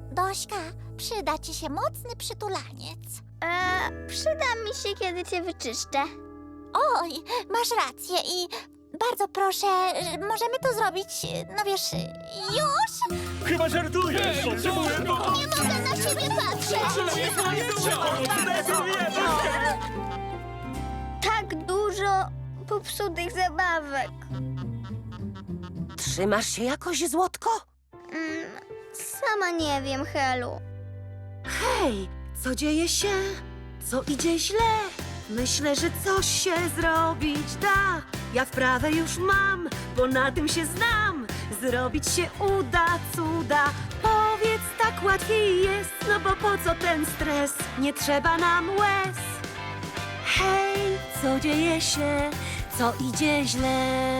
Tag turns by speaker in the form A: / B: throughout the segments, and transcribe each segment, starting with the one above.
A: Dośka, przyda ci się mocny przytulaniec.
B: Przyda mi się, kiedy cię wyczyszczę.
A: Oj, masz rację i bardzo proszę, możemy to zrobić, no wiesz, już?
C: Chyba żartujesz!
A: Nie mogę na siebie patrzeć!
B: Tak dużo popsutych zabawek.
D: Trzymasz się jakoś, Złotko?
B: Sama nie wiem, Helu.
D: Hej, co dzieje się? Co idzie źle? Myślę, że coś się zrobić da. Ja wprawę już mam, bo na tym się znam. Zrobić się uda cuda. Powiedz, tak łatwiej jest, no bo po co ten stres? Nie trzeba nam łez. Hej, co dzieje się? Co idzie źle?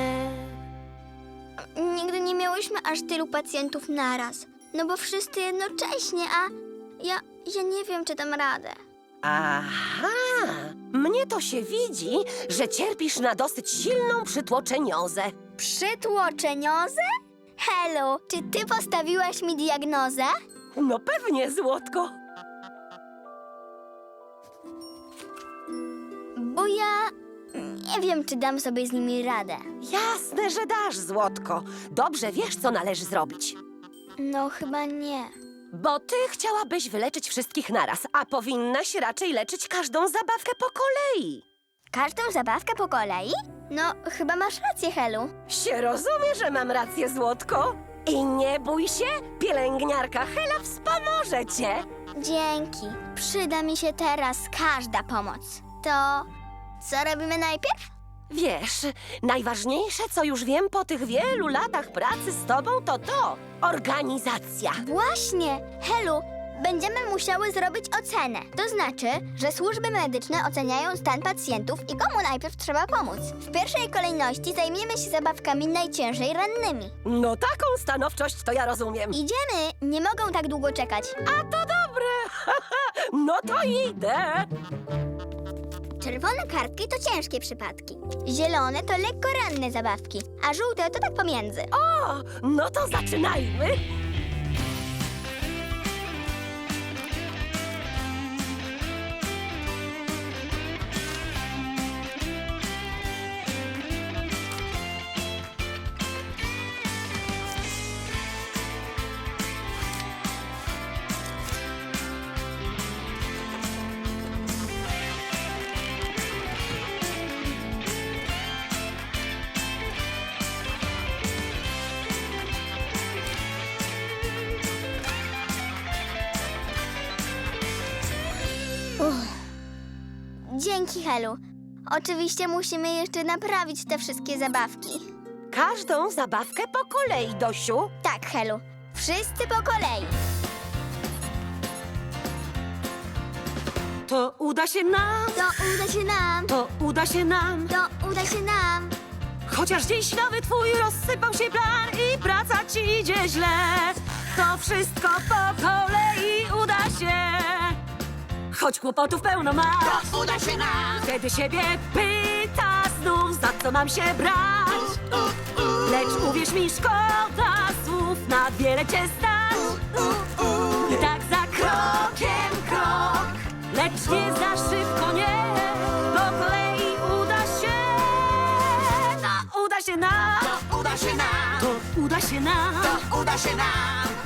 B: Nigdy nie miałyśmy aż tylu pacjentów naraz. No bo wszyscy jednocześnie, a ja nie wiem, czy dam radę.
D: Aha, mnie to się widzi, że cierpisz na dosyć silną przytłoczeniozę.
B: Przytłoczeniozę? Helu, czy ty postawiłaś mi diagnozę?
D: No pewnie, Złotko.
B: Bo ja nie wiem, czy dam sobie z nimi radę.
D: Jasne, że dasz, Złotko. Dobrze wiesz, co należy zrobić.
B: No, chyba nie.
D: Bo ty chciałabyś wyleczyć wszystkich naraz, a powinnaś raczej leczyć każdą zabawkę po kolei.
B: Każdą zabawkę po kolei? No, chyba masz rację, Helu.
D: Się rozumie, że mam rację, Złotko. I nie bój się, pielęgniarka Hela wspomoże cię.
B: Dzięki. Przyda mi się teraz każda pomoc. To co robimy najpierw?
D: Wiesz, najważniejsze, co już wiem po tych wielu latach pracy z tobą, to organizacja.
B: Właśnie, Helu, będziemy musiały zrobić ocenę. To znaczy, że służby medyczne oceniają stan pacjentów i komu najpierw trzeba pomóc. W pierwszej kolejności zajmiemy się zabawkami najciężej rannymi.
D: No taką stanowczość to ja rozumiem.
B: Idziemy, nie mogą tak długo czekać.
D: A to dobre. No to idę.
B: Czerwone kartki to ciężkie przypadki. Zielone to lekko ranne zabawki, a żółte to tak pomiędzy.
D: O, no to zaczynajmy.
B: Dzięki, Helu. Oczywiście musimy jeszcze naprawić te wszystkie zabawki.
D: Każdą zabawkę po kolei, Dosiu.
B: Tak, Helu. Wszyscy po kolei.
D: To uda się nam,
B: To uda się nam.
D: to uda się nam.
B: To uda się nam.
D: Chociaż dziś nowy twój rozsypał się plan i praca ci idzie źle, to wszystko po kolei uda się. Choć kłopotów pełno masz,
A: To uda się nam!
D: wtedy siebie pyta znów, za co mam się brać. Lecz uwierz mi, szkoda słów, na wiele cię stać. I tak za krokiem krok, lecz nie za szybko, nie. Po kolei uda się. To uda się nam.
A: To uda się nam!
D: To uda się nam.
A: To uda się nam!